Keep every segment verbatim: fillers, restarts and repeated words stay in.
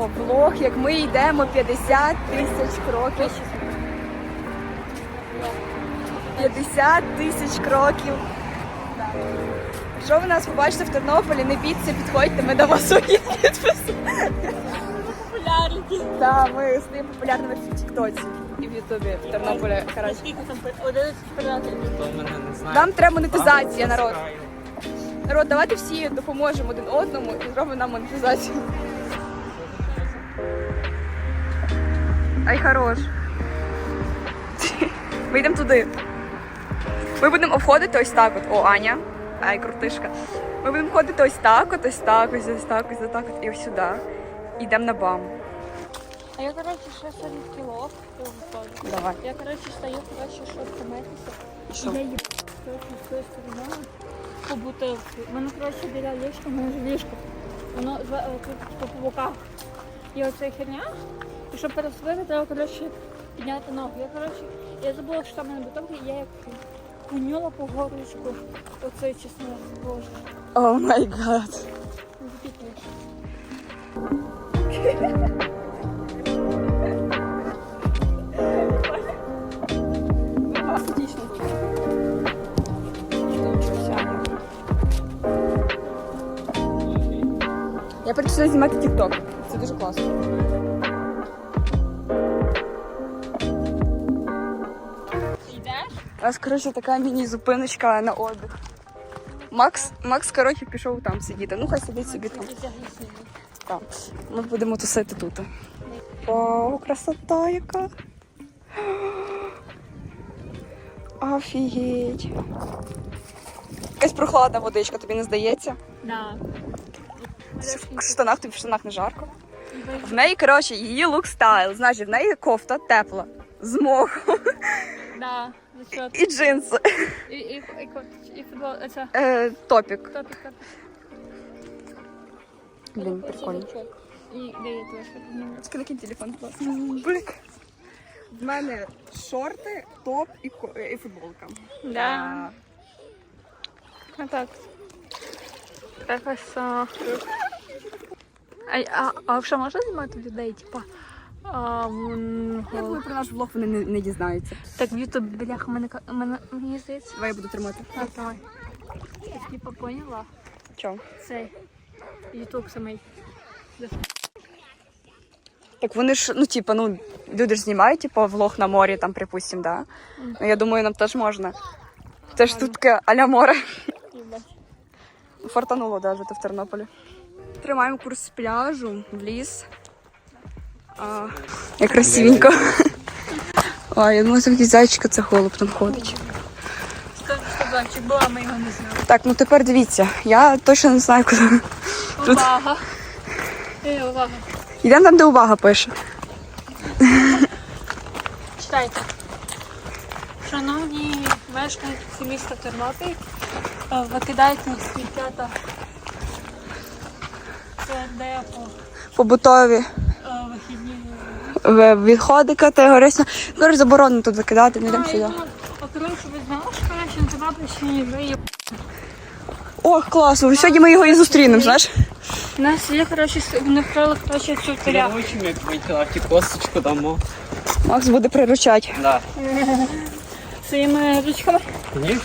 знімаємо влог, як ми йдемо п'ятдесят тисяч кроків. п'ятдесят тисяч кроків. Якщо ви нас побачите в Тернополі, не бійтеся, підходьте, ми дамо свої підписи. Популярні. Так, ми стаємо популярними в Тіктоці і в Ютубі в Тернополі. Скільки там одинадцять переглядів? Нам треба монетизація, народ. Народ, давайте всі допоможемо один одному і зробимо нам монетизацію. Ай, хорош. Ми йдемо туди. Ми будемо обходити ось так от. О, Аня. Ай, крутишка. Ми будемо ходити ось так от, ось так, ось ось так, ось так от і ось сюди. Йдемо на бам. А я, коротше, ще сьогодні в кіло виходжу. Давай. Я, коротше, стою, коротше, щоб помитися. Що? Я їб, коротше, з тої сторони по бутилці. У мене, коротше, біля ліжка, у мене ж ліжко. Воно з- е, тут по по боках. І оця херня. І щоб пересвити, треба, коротше, підняти ногу. Я, коротше, я забула, що там у мене бутилки, і я як куняла по горлышку оцей чеснок. Боже. О май гад. Не запікаєш. Отлично. Я прийшла знімати тік-ток. Це дуже класно. Йдеш? У нас, коротше, така міні-зупиночка на отдих. Макс, Макс, коротше, пішов там сидіти. Ну, хай сидить собі там. Так. Ми будемо тусити тут. Вау, красота яка. Офігеть. Якась прохладна водичка, тобі не здається? Да. В штанах, тобі в штанах не жарко. В неї, коротше, її лук стайл. Значить, в неї кофта тепла. З мохом. Да, зачет. І джинси. І, і, і, і футбол, це Е, топік. топік, топік. Блін, прикольно. І де я теж? Тільки накинь телефон, будь ласка. Блик. В мене шорти, топ і, ко- і футболка. Да. А так. Красота. А, а, а що можна знімати людей, типа? А, м, Я думаю, про наш влог вони не, не дізнаються. так, в Ютубі, бляха, мене, мене, мені здається. Давай я буду тримати. Так, давай. Я типа поняла. Чого? Цей Ютуб самий. Так вони ж, ну, типа, ну, люди ж знімають, типа, влог на морі, там, припустим, да? Ну, я думаю, нам теж можна. Це ж тут таке а-ля море. Фартануло навіть в Тернополі. Тримаємо курс з пляжу в ліс. А, як красивенько. Ой, я думаю, такий зайчик, це голуб там ходить. Сказочок була, ми його не знали. Так, ну тепер дивіться, я точно не знаю, куди. Тут. Увага. Ей, увага. Йдемо там, де увага пише. Читайте. Шановні мешканці міста Тернопіль, е, викидайте сміття та це депо Побутові е, вихідні. в- відходи категорично. Коротше, заборонено тут викидати, не йдемо А, сюди. і тут, а коротше, ви знали, що коротше, на Тернопільщині вже є. Ох, класно, сьогодні ми його і зустрінемо, знаєш? У нас є, коротше, с- вони вкрали, коротше, цю теля. Научим, як витягати косточку дамо. Макс буде приручати. Да. Своїми ручками. Ні?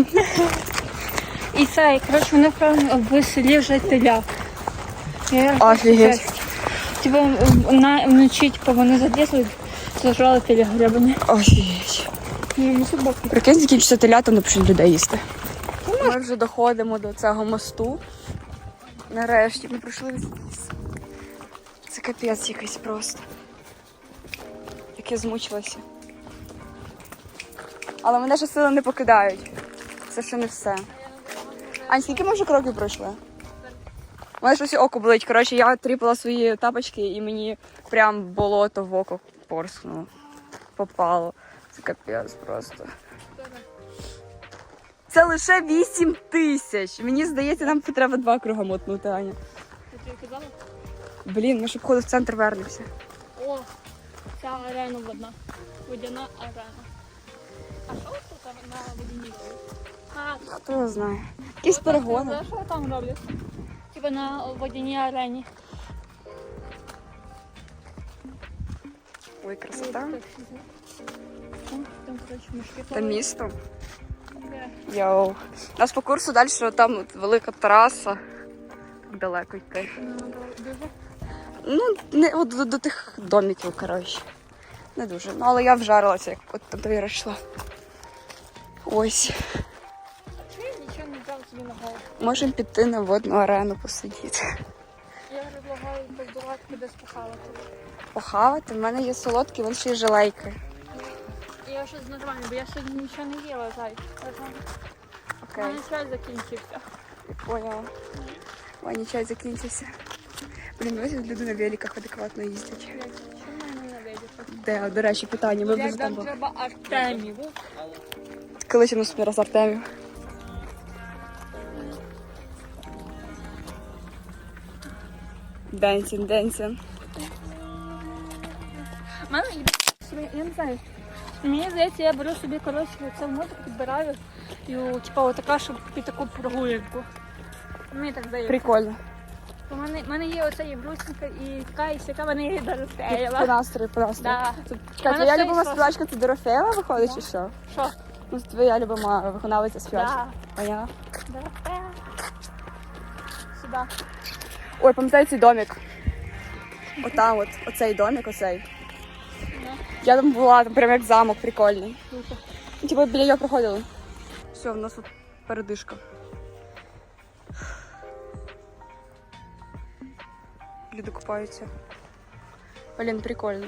І це, і, коротше, вони вкрали в селі вже теля. Я Офігеть. Типа на вночі, типа, вони залізли, зажрали теля гребані. Офігеть. І не собаки. Прикинь, закінчиться телята, не почнуть людей їсти. Ми вже доходимо до цього мосту. Нарешті ми пройшли весь ліс. Це капець якийсь просто. Як я змучилася. Але мене ж сили не покидають. Це ще не все. Ань, скільки ми вже кроків пройшли? У мене щось око болить. Коротше, я тріпала свої тапочки і мені прям болото в око порскнуло. Попало. Це капець просто. Це лише вісім тисяч. Мені здається, нам треба два круга мотнути, Аня. Ти тобі казала? Блін, ми ж обходу в центр вернемося. О, ця арена водна. Водяна арена. А що тут на водяній? А, Хто його знає. Якісь перегони. знаєш, що там роблять? Типа на водяній арені. Ой, красота. Там, коротше, мішки. Там місто. Де? Йоу. У нас по курсу далі там от велика траса. Далеко йти. Ну, дуже. Ну, не от до, до тих домиків, коротше. Не дуже. Ну, але я вжарилася, як от туди йшла. Ось. Чи я нічого не взяв собі на голову? Можемо піти на водну арену посидіти. Я предлагаю поздавати кудись похавати. Похавати. В мене є солодкі, вон ще й желейки. І я щось нормально, бо я сьогодні нічого не їла, зай. У Окей. мене чай закінчився. Поняла. Ой, чай закінчився. Блін, ось люди на великах адекватно їздять. Чому мене ненавидять? Де, до речі, питання. Ми вже Як там нам були. треба Артемів. Колись у нас раз Артемів. Денсін, денсін. У мене є собі, я не знаю. Мені здається, я беру собі, коротше, це в мозок підбираю. І, типа, отака, щоб під таку прогулянку. Мені так здається. Прикольно. У мене, в мене є оця єврусінка і така, і сяка, мене є По Дорофеєва. настрою, по настрою. Да. Чекай, Мене твоя все любима і співачка це Дорофеєва виходить, чи що? Що? Ну, це твоя любима виконавиця співачка. Да. Поняла? Дорофея. Сюди. Ой, пам'ятаю цей домик. Отам от, оцей домик, оцей. Ну, Я там була, там прям як замок прикольний. круто. Ну, типу біля його проходили. Все, в нас тут передишка. Люди купаються. Блін, прикольно.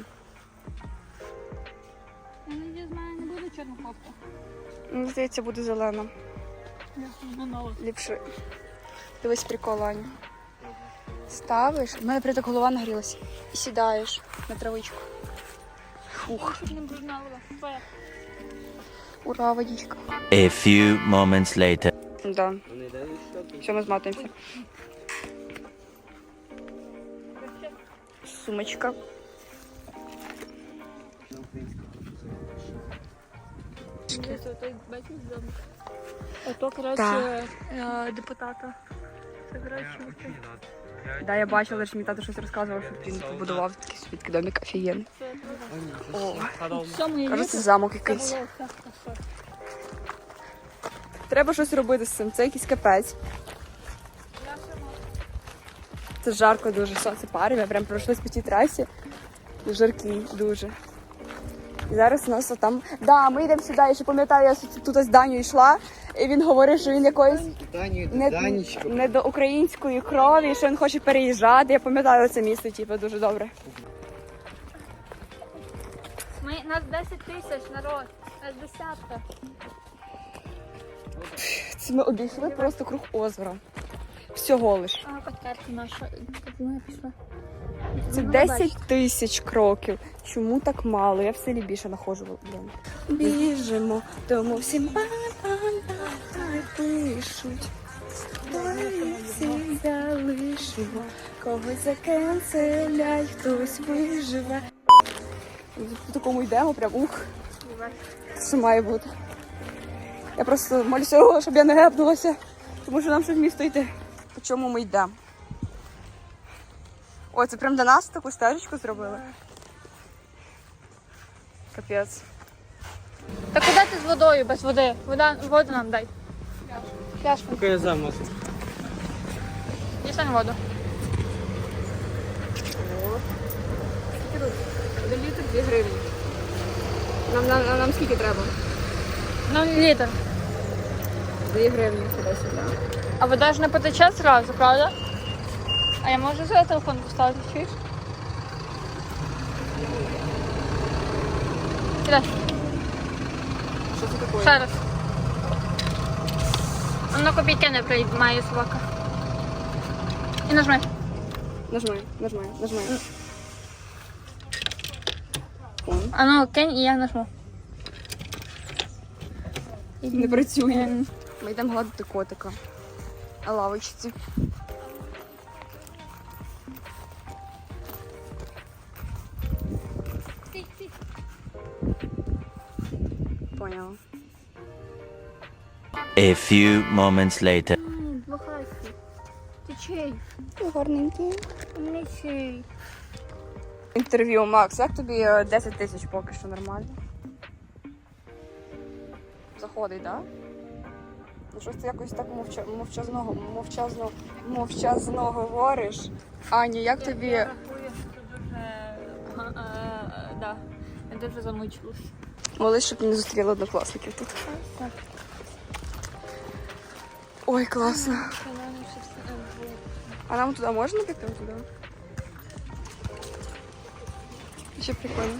Я надіюсь, в мене не буде чорна кофта. Мені здається, буде зелено. Я знову. Ліпше. Дивись прикол, Аня. Ставиш, в мене прям так голова нагрілася. І сідаєш на травичку. Фух, Щоб не бруднала. Твоя. ура, водичка. A few moments later. Да, все, ми зматуємося. Сумочка. Дивіться, той бачиш замок. Ото, коротше, е, депутата. Це, коротше, оце. Да, я бачила, що мій тато щось розказував, що він побудував такий собі такий домик офігенний. Це О, в цьому є кажу, літо. це замок Це якийсь. було все хорошо. Треба щось робити з цим, це якийсь капець. Я ще можу. Це жарко дуже, сонце парить, ми прям пройшлись по тій трасі. Жаркий дуже. І зараз у нас там. Да, ми йдемо сюди, я ще пам'ятаю, я тут з Даню йшла, і він говорив, що він якоїсь Даню, не, Данечко. не до української крові, що він хоче переїжджати. Я пам'ятаю це місце, типу, дуже добре. Ми, нас десять тисяч, народ. Нас десятка. Це ми обійшли просто круг озера. Всього лиш. А, подкарта наша. Тут ми пішли. Це десять тисяч кроків. Чому так мало? Я в селі більше находжу. Блін. Біжимо, тому всім па-па-па пишуть. Ми всі залишимо, когось закенселять, хтось виживе. По такому йдемо, прям ух. Що має бути. Я просто молюся, щоб я не гепнулася, тому що нам ще в місто йти. По чому ми йдемо? О, це прям до нас таку стежечку зробили. Капець. Та куди ти з водою без води? Вода, воду нам дай. Пляшку. Поки я замок. Дістань воду. До літр дві гривні. Нам, нам, нам скільки треба? Ну, літр. Дві гривні сюди-сюди. А вода ж не потече зразу, правда? А я можу за телефон поставити, чуєш? Кидай. Що це таке? Ще раз. Воно копійки не приймає собака. І нажми. Нажми, нажми, нажми. А ну кинь і я нажму. Не працює. Ми йдемо гладити котика. На лавочці. Стій, стій. Поняла. A few moments later. Бахайся. Ти чий? Гарненький. Не чий. Інтерв'ю, Макс, як тобі е, десять тисяч поки що нормально? Заходить, так? Да? Ну щось ти якось так мовча... мовчазно, мовчазно, мовчазно говориш. Аня, як тобі? Я рахую, що дуже... е, е, да. Я дуже замучилась. Молись, щоб не зустріли однокласників тут. Так. Ой, класно. А нам туди можна піти туди? Ще прикольно.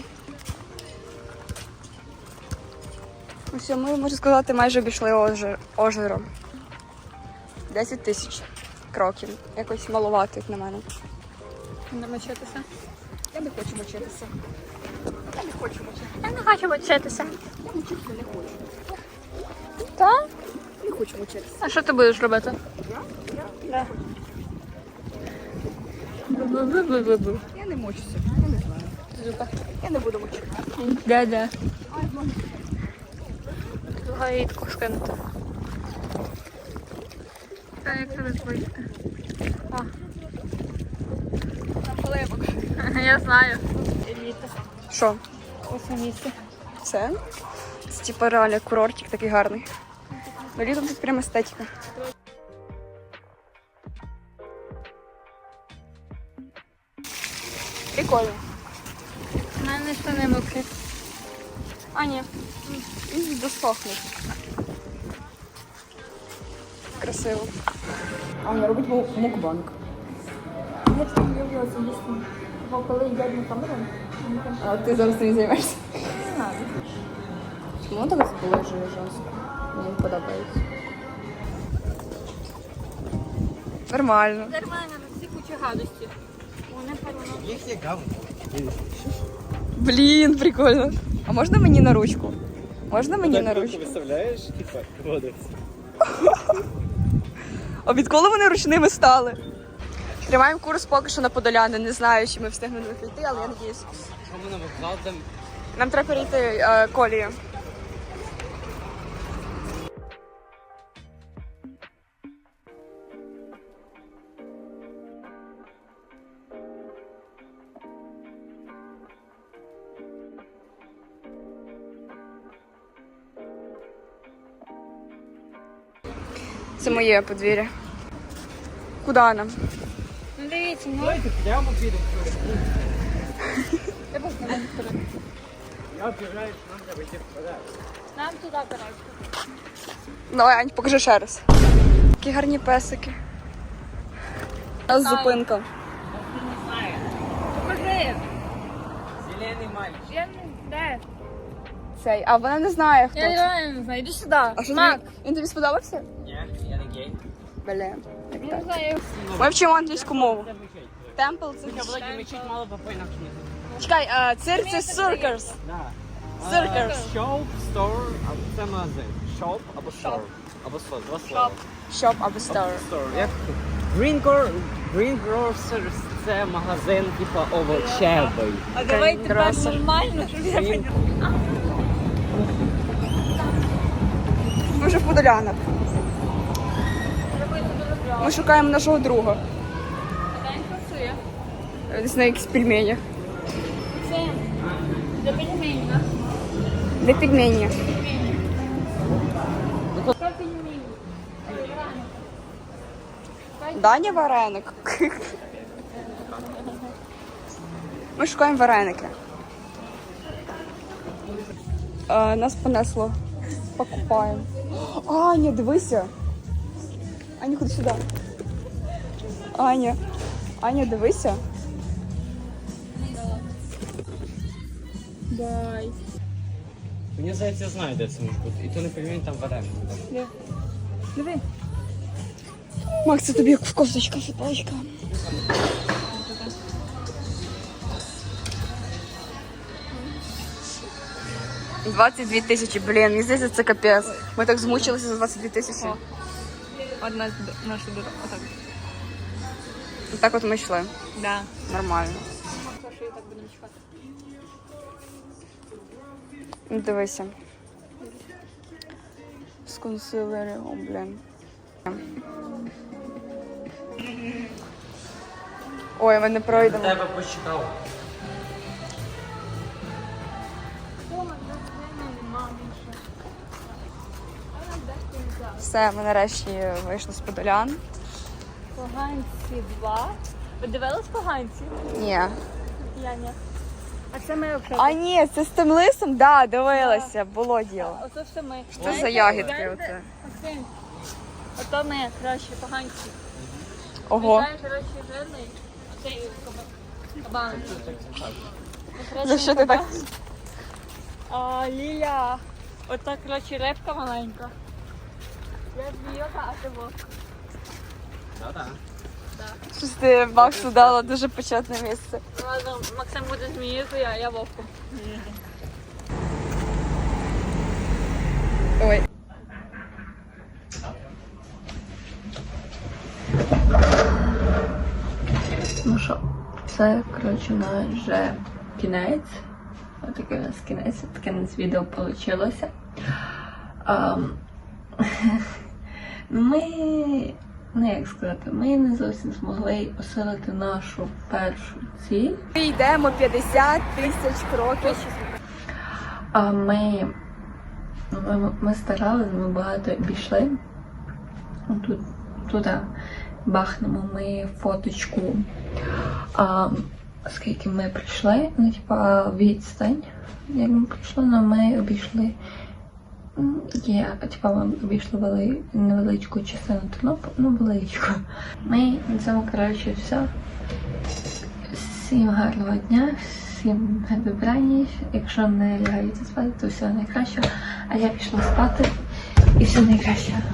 Ось ми, можна сказати, майже обійшли озеро. озеро. десять тисяч кроків. Якось маловато, як на мене. Не мочитися. Я не хочу мочитися. Я не хочу мочитися. Я не хочу мочитися. Я мочитися не хочу. Так? Не хочу мочитися. А що ти будеш робити? Я? Я? Да. Бу-бу-бу-бу-бу. Я не мочуся. Я не знаю. Зуба. Я не буду мочитися. Да-да. Гаїтку скинути. Та як тебе звуть? О. Там полевок. Я знаю. Еліта. Що? Ось місце. Це? Це типу реально курортик такий гарний. Ну, літом тут прям естетика. Прикольно. У мене штани мокрі. А, ні. Він досохне. Красиво. А вона робить мукбанк. Я ж не люблю це їсти. Бо коли їдять на камеру, А ти зараз цим займаєшся? не знаю. Чому так сположує жорстко? Мені не подобається. Нормально. Нормально, на всі кучі гадості. Вони переносять. Їх є говно. Блін, прикольно. А можна мені на ручку? Можна мені на ручку? Виставляєш, типа, водиться. А відколи вони ручними стали? Тримаємо курс поки що на Подоляни. Не знаю, чи ми встигнемо прийти, але я надіюсь. Що ми на вокзал там? Нам треба перейти е, колію. Це моє подвір'я. Куди нам? Ну дивіться, ну. Давайте прямо підемо. Я познаю. Я вважаю, що нам треба йти вперед. Нам туди, коротше. Давай, Ань, покажи ще раз. Такі гарні песики. У нас зупинка. Не знаю. Покажи. Зелений мальчик. Я не... Де? Цей, а вона не знає, хто Я це. реально не знаю. Іди сюди. А що Мак. тобі? Він тобі сподобався? Ні, я не гей. Блін. Я не знаю. Ми вчимо англійську мову. Темпл це. Я Володя мечить мало по інакше не. Чекай, а, цирк це circus. Да. Circus. Shop, store, або це магазин. Shop або store. Або store, два слова. Shop або store. Store. Як Green Gro- Green Grocers – це магазин, типа, овочевий. А давай Green тепер Grocer. нормально, щоб я Green- Ми вже в Подолянах. робити дуже кльово. Ми шукаємо нашого друга. День працює. Десь на якісь пельмені. Це для пельменів, да? Для пельмені. Пельмені. Що пельмені? Даня вареник. Ми шукаємо вареники. А, нас понесло. Покупаємо. Аня, дивися. Аня, ходи сюди. Аня. Аня, дивися. Дай. Мені здається, я знаю, де це може бути. І то не пельмені, там вареники. Диви. Макс, це тобі як в кофточка, футболочка. двадцять дві тисячі, блін, мені здається, це капець. Ми так змучилися за двадцять дві тисячі. О. Одна з наша дорога. Отак. Так от ми йшли. Да. Нормально. Що я так буду чекати? Ну, дивися. З консилером, о, блін. Ой, ми не пройдемо. Тебе почекав. Все, ми нарешті вийшли з Подолян. Поганці два. Ви дивились поганці? Ні. Я ні. А це ми взагалі. А ні, це з тим лисом? Да, дивилася, було діло. Ото все ми. Що за ягідки оце? Максим, ото ми, коротше, поганці. Ого. Знаєш, коротше, жирний. Цей кабан. За що ти так? А, Ліля. Ота, коротше, рибка маленька. Я змійота, а ти вовк. Да-да. Щось ти Максу дала дуже почетне місце. Ладно, Максим буде змією, а я вовком. Ой. Ну що, це, коротше, у нас вже кінець. Отакий у нас кінець, таке у нас відео вийшло. Um, ми, ну як сказати, ми не зовсім змогли осилити нашу першу ціль. Ми йдемо п'ятдесят тисяч кроків. А ми, ми, ми старалися, ми багато обійшли. Тут, туди бахнемо ми фоточку. А, скільки ми прийшли, ну, типа, відстань, як ми прийшли, але ми обійшли, є, типа, ми обійшли вели, невеличку частину Тернополя, ну, величку. Ми на цьому, коротше, все. Всім гарного дня, всім добраніч. Якщо не лягаєте спати, то все найкраще. А я пішла спати і все найкраще.